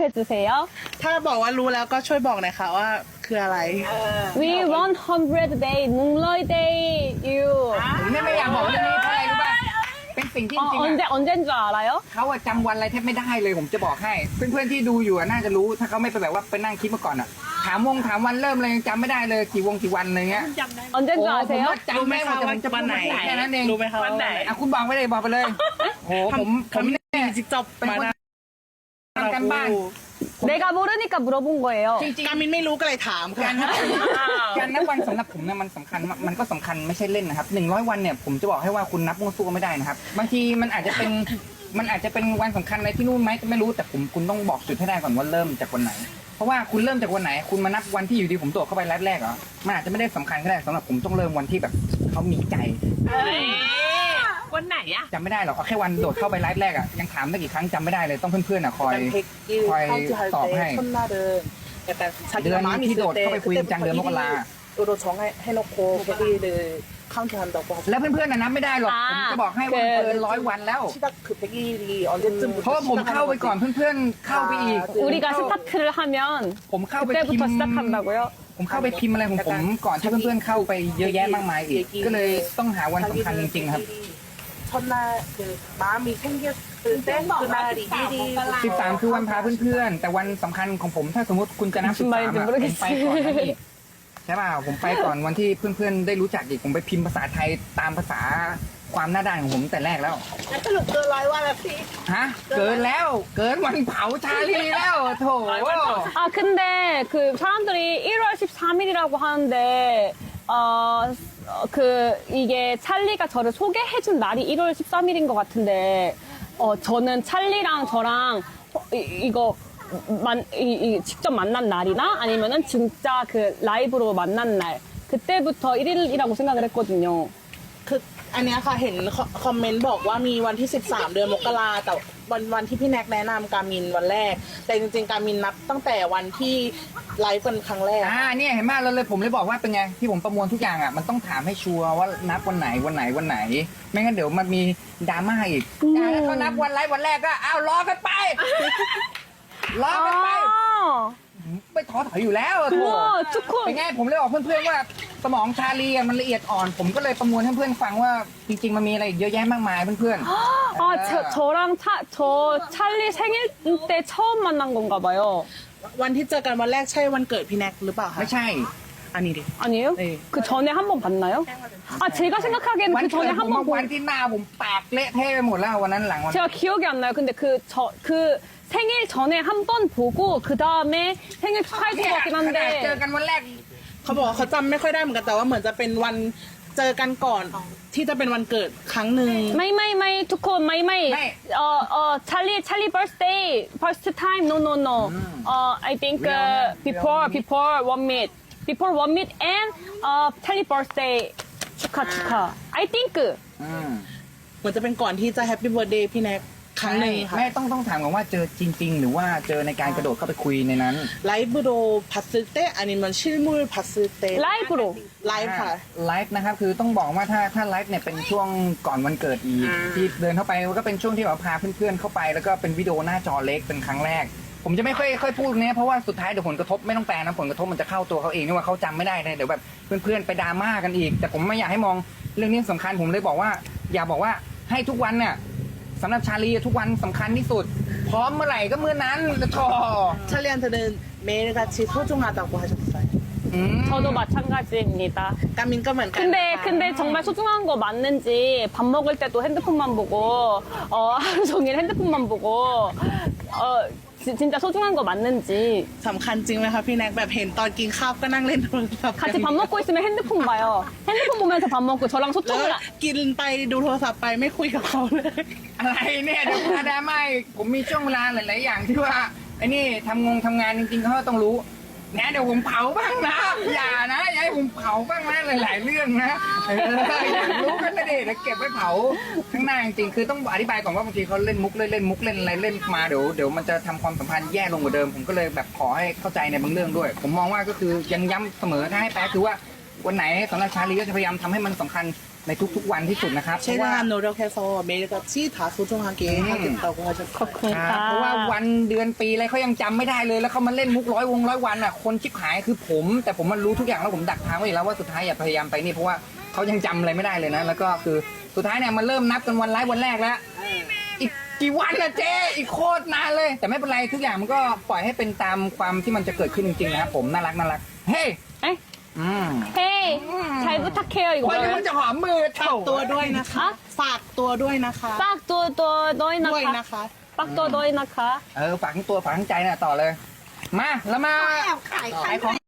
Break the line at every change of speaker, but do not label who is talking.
해주세요.
ถ้าบอกว่ารู้แล้วก็ช่วยบอกหน่อยค่ะว่าคืออะไร
We 100 day, Nungloy day, you.
ผมเนี่ยไม่อยากบอกเรื่องนี้เพราะอะไรรู้ป่ะเป็นสิ่งที่จริงๆ
언제인 줄 알아요?
เขาอะจำวันอะไรแทบไม่ได้เลยผมจะบอกให้ เพื่อนๆที่ดูอยู่อะน่าจะรู้ถ้าเขาไม่ไปแบบว่าไปนั่งคิดมาก่อนอะถามวันเริ่มเลยยังจำไม่ได้เลยกี่วันอะไรเงี้ย
언제인
โอ้
줄
ผม
아세요?
ว่าจำไม่หมดแต่ผมจะพูดแค่นั้นเอง
รู้ไหมคะวันไหน
อ่ะคุณบอกไปเลยบอกไปเลยโอ้ผมเนี่ย
จิกจบมานะ
ทำกันบ้าน
내가 모르니까 물어본 거예요.
จริง
การมินไม่รู้ก็เลยถาม
ๆ
ค่ะ
การนับวันสำหรับผมเนี่ยมันสำคัญมันก็สำคัญไม่ใช่เล่นนะครับ100 วันเนี่ยผมจะบอกให้ว่าคุณนับมั่วซั่วไม่ได้นะครับบางทีมันอาจจะเป็นวันสำคัญอะไรที่นู่นไหมก็ไม่รู้แต่คุณต้องบอกจุดให้ได้ก่อนว่าเริ่มจากวันไหน เพราะว่าคุณเริ่มจากวันไหน คุณมานับวันที่อยู่ดีผมตรวจเข้าไปแรกเหรอมันอาจจะไม่ได้สำคัญก็ได้สำหรับผมต้องเริ่มวันที่แบบเขามีใจ
วันไหนอะ
จำไม่ได้หรอกเอาแค่วันโดดเข้าไปไลฟ์แรกอ่ะยังถามได้กี่ครั้งจำไม่ได้เลยต้องเพื่อนๆอ่ะคอย
คอยตอบให้첫날은 약간
เดือน
자기가 마음이
ที่
있을
โดดเข้าไป
때
คุยจังเดือนมกรา
1일으로 정해놓고 100일을 카운트한다고
แล้วเพื่อนๆน่ะนับไม่ได้หรอกผมจะบอกให้ว่าเกิน100 วันแล้ว
시작 그 100일이 언제쯤부터
เพราะว่าผมเข้าไปก่อนเพื่อนๆเข้าไปอีก
우리가 스타트를 하면
ผมเข้าไปพิม
그때부터
พ์
시작한다고요?
ผมเข้าไปพิมพ์อะไรของผมก่อนที่เพื่อนๆเข้าไปเยอะแยะมากมายอีกก็เลยต้องหาวันสำคัญจริงๆครับ
첫날 그 마음이 생겼을 때 그날이
13 คือวันพาเพื่อนๆแต่วันสำคัญของผมถ้าสมมติคุณจะนับ 13
말인지
อะผมไปก่อนนั้น
모르겠어요.
อีกใช่ป่ะผมไปก่อนวันที่เพื่อนๆได้รู้จักอีกผมไปพิมพ์ภาษาไทยตามภาษาความหน้าด้านของผมแต่แรกแล้ว
สรุปเกิน100 วันแล้วพี่
ฮะเกินแล้วเกินวันเผาชาลีแล้วโถ
아 근데 그 사람들이 1월 13일이라고 하는데 그 이게 찰리가 저를 소개해준 날이 1월 13일인 것 같은데 저는 찰리랑 저랑 이거 직접 만난 날이나 아니면은 진짜 그 라이브로 만난 날 그때부터 1일이라고 생각을 했거든요.
คืออันเนี้ยค่ะเห็นคอมเมนต์บอกว่ามีวันที่ 13 เดือนมกราแต่วันที่พี่แน็กแนะนำการมินวันแรก แต่จริงๆการมินนับตั้งแต่วันที่ไลฟ์กันครั้งแรก
เนี่ยเห็นไหมเราเลยผมเลยบอกว่าเป็นไงที่ผมประมวลทุกอย่างอ่ะมันต้องถามให้ชัวร์ว่านับวันไหนไม่งั้นเดี๋ยวมันมีดราม่าอีกแล้วเขานับวันไลฟ์วันแรกก็อ้าวรอกันไปรอกันไป ไม่ท้อถอยอยู่แล้วโถ
우와ทุกคน
เป็นไงผมเลยบอกเพื่อนๆว่าสมองชาลีอะมันละเอียดอ่อน ผมก็เลยประมวลให้เพื่อนฟังว่าจริงๆมันมีอะไรอีกเยอะแยะมากมายเพื่อน
아, 저랑 저 찰리 생일 때 처음 만난 건가 봐요.
วันที่เจอกันวันแรกใช่วันเกิดพี่แน็กหรือเปล่า
ๆ
คะ
ไม่ใช่
อันนี้ดิ
아니에요?
네.
그 전에 한 번 봤나요? 아, 제가
วัน
생각하기에는 그
เกิด
전에
ผม
한
มา
번
วันที่หน้าผมแตกเละเทะไปหมดแล้ววันนั้นหลังวัน
제가 기억이 안 나요. 근데 그 생일 전에 한 번 보고 그 다음에 생일 축하해준 것 같긴
ขนาดเจอ
한데
กันวันแรก
เขาบอกว่าเขาจำไม่ค่อยได้เหมือนกันแต่ว่าเหมือนจะเป็นวันเจอกันก่อนที่จะเป็นวันเกิดครั้งหนึ่ง
마이 투콘 마이 찰리 birthday first time no I think before one meet and 찰리 birthday 축하 I think
เหมือนจะเป็นก่อนที่จะแฮปปี้เบิร์ดเดย์พี่แน็กครั้งหนึ่งค่ะ
ไม่ต้องถามก่อนว่าเจอจริง ๆ หรือว่าเจอในการกระโดดเข้าไปคุยในนั้น
ไลฟ์โดพัสเตอานิมันชิลมูลพัสเต
라이브로
ไลฟ์ค่ะ
ไลฟ์นะครับคือต้องบอกว่าถ้าไลฟ์เนี่ยเป็นช่วงก่อนวันเกิดอีกที่เดินเข้าไปก็เป็นช่วงที่แบบพาเพื่อนๆเข้าไปแล้วก็เป็นวิดีโอหน้าจอเล็กเป็นครั้งแรก ผมจะไม่ค่อยพูดเนี้ยเพราะว่าสุดท้ายเดี๋ยวผลกระทบไม่ต้องแปลนะผลกระทบมันจะเข้าตัวเขาเองนี่ว่าเขาจำไม่ได้เลยเดี๋ยวแบบเพื่อนๆไปดราม่ากันอีก แต่ผมไม่อยากให้มองเรื่องนี้สำคัญผมเลยบอกว่า อย่าบอกว่าให้ทุกวันเนี่ยสำหรับชาลีทุกวันสำคัญที่สุด พร้อมเมื่อไหร่ก็เมื่อนั้นโธ่
찰리한테는 매일같이 소중하다고 하셨어요.
저도 마찬가지입니다.
การมินก็เหมือนกัน
근데 정말 소중한 거 맞는지 밥 먹을 때도 핸드폰만 보고 하루 종일 핸드폰만 보고 진짜 소중한 거 맞는지
สำคัญจริงไหมคะพี่แน็กแบบเห็นตอนกินข้าวก็นั่งเล่นโทรศัพท์
같이 밥 먹고 있으면 핸드폰 봐요. 핸드폰 보면서 밥 먹고 저랑
แล้ว
소통을
กินไปดูโทรศัพท์ไปไม่คุยกับเขาเลย
อะไรเนี่ยเดี๋ยวมาดราม่าอีกผมมีช่วงเวลาหลายๆอย่างที่ว่าไอ้นี่ทำงานจริงๆเขาก็ต้องรู้นะเดี๋ยวผมเผาบ้างนะอย่าให้ผมเผาบ้างนะหลายๆเรื่องนะอยากรู้กันนะเดี๋ยวเก็บไว้เผาข้างหน้าจริงๆคือต้องอธิบายก่อนว่าบางทีเขาเล่นมุกเล่นมุกเล่นอะไรเล่นมาเดี๋ยวมันจะทำความสัมพันธ์แย่ลงกว่าเดิมผมก็เลยแบบขอให้เข้าใจในบางเรื่องด้วย ผมมองว่าก็คือยังย้ำเสมอถ้าให้แปลคือว่าวันไหนสำหรับชาลีก็จะพยายามทำให้มันสำคัญในทุกๆวันที่สุดนะครับเพราะว่า
최대한 노력해서 매일같이 다 소중하게 하겠다고 하셨어요.
ขอบคุณ
ครับ
ค่ะ
เพราะว่าวันเดือนปีอะไรเขายังจำไม่ได้เลยแล้วเขามาเล่นมุกร้อยวันอ่ะคนชิบหายคือผม แต่ผมมันรู้ทุกอย่างแล้วผมดักทางไว้อยู่แล้วว่าสุดท้ายอย่าพยายามไปนี่เพราะว่าเขายังจำอะไรไม่ได้เลยนะแล้วก็คือสุดท้ายเนี่ยมันเริ่มนับกันวันไลฟ์วันแรกแล้วอีกกี่วันนะเจ๊อีกโคตรนานเลย แต่ไม่เป็นไรทุกอย่างมันก็ปล่อยให้เป็นตามความที่มันจะเกิดขึ้นจริงๆนะครับผมน่ารักเฮ้ย
เอ้ย
อืม
เฮ้ย잘 부탁해요
คน
이거
นี้มันจะหอมมือเท่า
ตัวด้วยนะคะ ฝากตัวด้วยนะคะ
빡도 너희
ด้วย
나카
นะคะ
빡도 너희 나카
ฝากทั้งตัวฝากทั้งใจน่ะต่อเลย มาแล้วมา
แอบขาย
ขายของ